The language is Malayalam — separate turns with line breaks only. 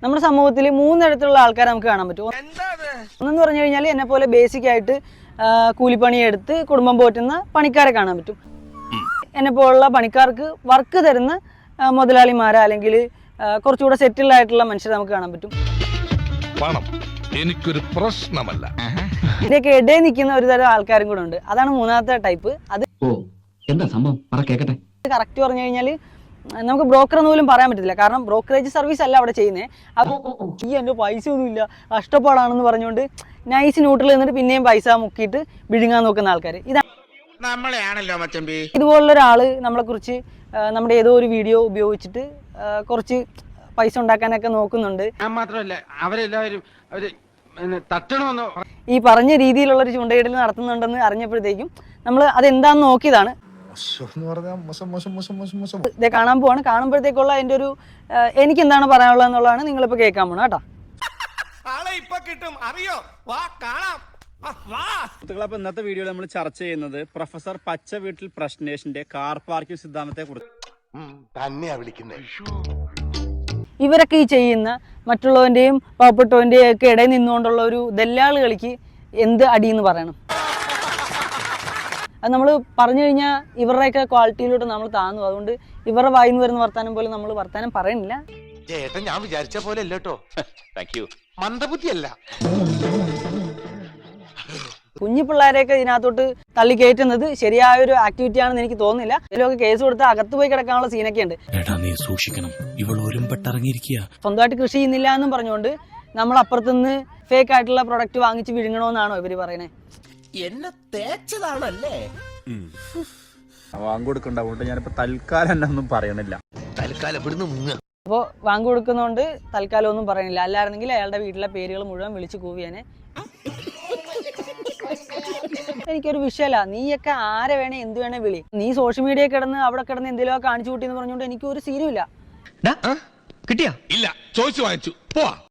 നമ്മുടെ സമൂഹത്തിൽ 3 തരത്തിലുള്ള ആൾക്കാരെ നമുക്ക് കാണാൻ പറ്റും. ഒന്നെന്ന് പറഞ്ഞു കഴിഞ്ഞാൽ എന്നെ പോലെ ബേസിക് ആയിട്ട് കൂലിപ്പണിയെടുത്ത് കുടുംബം പോറ്റുന്ന പണിക്കാരെ കാണാൻ പറ്റും. എന്നെ പോലുള്ള പണിക്കാർക്ക് വർക്ക് തരുന്ന മുതലാളിമാരെ അല്ലെങ്കിൽ കുറച്ചുകൂടെ സെറ്റിൽഡ് ആയിട്ടുള്ള മനുഷ്യരെ നമുക്ക് കാണാൻ പറ്റും.
പണം എനിക്കൊരു പ്രശ്നമല്ല.
ഇതിനൊക്കെ ഇടയിൽ നിൽക്കുന്ന ഒരു തരം ആൾക്കാരും കൂടെ ഉണ്ട്. അതാണ് മൂന്നാമത്തെ ടൈപ്പ്. അത്
എന്താ സംഭവം കേക്കട്ടെ.
കറക്റ്റ് പറഞ്ഞു കഴിഞ്ഞാൽ നമുക്ക് ബ്രോക്കർ എന്ന് പോലും പറയാൻ പറ്റത്തില്ല. കാരണം ബ്രോക്കറേജ് സർവീസ് അല്ല അവിടെ ചെയ്യുന്നത്. അപ്പോൾ എൻ്റെ പൈസ ഒന്നുമില്ല, കഷ്ടപ്പാടാണെന്ന് പറഞ്ഞുകൊണ്ട് നൈസ് ന്യൂട്രൽ എന്നിട്ട് പിന്നെയും പൈസ മുക്കിയിട്ട് വിഴുങ്ങാൻ നോക്കുന്ന ആൾക്കാർ. ഇതുപോലുള്ള ഒരാള് നമ്മളെ കുറിച്ച് നമ്മുടെ ഏതോ ഒരു വീഡിയോ ഉപയോഗിച്ചിട്ട് കുറച്ച് പൈസ ഉണ്ടാക്കാനൊക്കെ നോക്കുന്നുണ്ട്.
മാത്രമല്ല അവരെല്ലാവരും
ഈ പറഞ്ഞ രീതിയിലുള്ളൊരു ചൂണ്ടയിടൽ നടത്തുന്നുണ്ടെന്ന് അറിഞ്ഞപ്പോഴത്തേക്കും നമ്മൾ അതെന്താന്ന് നോക്കിയതാണ്. ഇത് കാണാൻ പോവാണ്. കാണുമ്പോഴത്തേക്കുള്ള എൻ്റെ ഒരു എനിക്ക് എന്താണ് പറയാനുള്ളത് എന്നുള്ളതാണ് നിങ്ങളിപ്പോൾ കേൾക്കാൻ പോണ കേട്ടോ.
അപ്പൊ ഇന്നത്തെ വീഡിയോയിൽ നമ്മൾ ചർച്ച ചെയ്യുന്നത് പ്രൊഫസർ പച്ച വീട്ടിൽ പ്രശ്നേഷിന്റെ കാർ പാർക്കിംഗ് സിദ്ധാന്തത്തെ കുറിച്ച്
തന്നെയാ വിളിക്കുന്നത്.
ഇവരൊക്കെ ഈ ചെയ്യുന്ന മറ്റുള്ളവൻ്റെയും പാവപ്പെട്ടവൻ്റെയും ഒക്കെ ഇടയിൽ നിന്നുകൊണ്ടുള്ള ഒരു ദല്ലാള് കളിക്ക് എന്ത് അടിയെന്ന് പറയണം. അത് നമ്മൾ പറഞ്ഞു കഴിഞ്ഞാൽ ഇവരുടെയൊക്കെ ക്വാളിറ്റിയിലോട്ട് നമ്മൾ താന്നു. അതുകൊണ്ട് ഇവരുടെ വായിന്ന് വരുന്ന വർത്താനം പോലെ നമ്മൾ വർത്താനം പറയണില്ല.
ചേട്ടൻ ഞാൻ വിചാരിച്ച പോലെ അല്ലേട്ടോ. മന്ദബുദ്ധിയല്ല.
കുഞ്ഞു പിള്ളേരെയൊക്കെ ഇതിനകത്തോട്ട് തള്ളി കയറ്റുന്നത് ശരിയായൊരു ആക്ടിവിറ്റി ആണെന്ന് എനിക്ക് തോന്നുന്നില്ല. ഇതിലൊക്കെ കേസ് കൊടുത്ത് അകത്ത് പോയി കിടക്കാനുള്ള സീനൊക്കെ ഉണ്ട്. സ്വന്തമായിട്ട് കൃഷി ചെയ്യുന്നില്ല എന്നും പറഞ്ഞുകൊണ്ട് നമ്മൾ അപ്പുറത്തുനിന്ന് ഫേക്ക് ആയിട്ടുള്ള പ്രൊഡക്റ്റ് വാങ്ങിച്ച് വിഴുങ്ങണമെന്നാണോ ഇവര് പറയണേ?
എന്നെ തേച്ചതാണല്ലേ?
വാങ്ങിക്കൊടുക്കണ്ട. അതുകൊണ്ട് ഞാനിപ്പോ തൽക്കാലം എന്നെ ഒന്നും പറയണില്ല.
അപ്പോൾ വാങ്ങി കൊടുക്കുന്നതുകൊണ്ട് തൽക്കാലം ഒന്നും പറയണില്ല. അല്ലായിരുന്നെങ്കിൽ അയാളുടെ വീട്ടിലെ പേരുകൾ മുഴുവൻ വിളിച്ച് കൂവിയാനെ. എനിക്കൊരു വിഷയമല്ല. നീയൊക്കെ ആരെ വേണേ എന്ത് വേണേ വിളി. നീ സോഷ്യൽ മീഡിയ കിടന്ന് അവിടെ കിടന്ന് എന്തെങ്കിലും കാണിച്ചു കൂട്ടി എന്ന് പറഞ്ഞുകൊണ്ട് എനിക്ക് ഒരു സീനുമില്ല.
കിട്ടിയാ ഇല്ല, ചോദിച്ചു വാങ്ങിച്ചു പോവാ.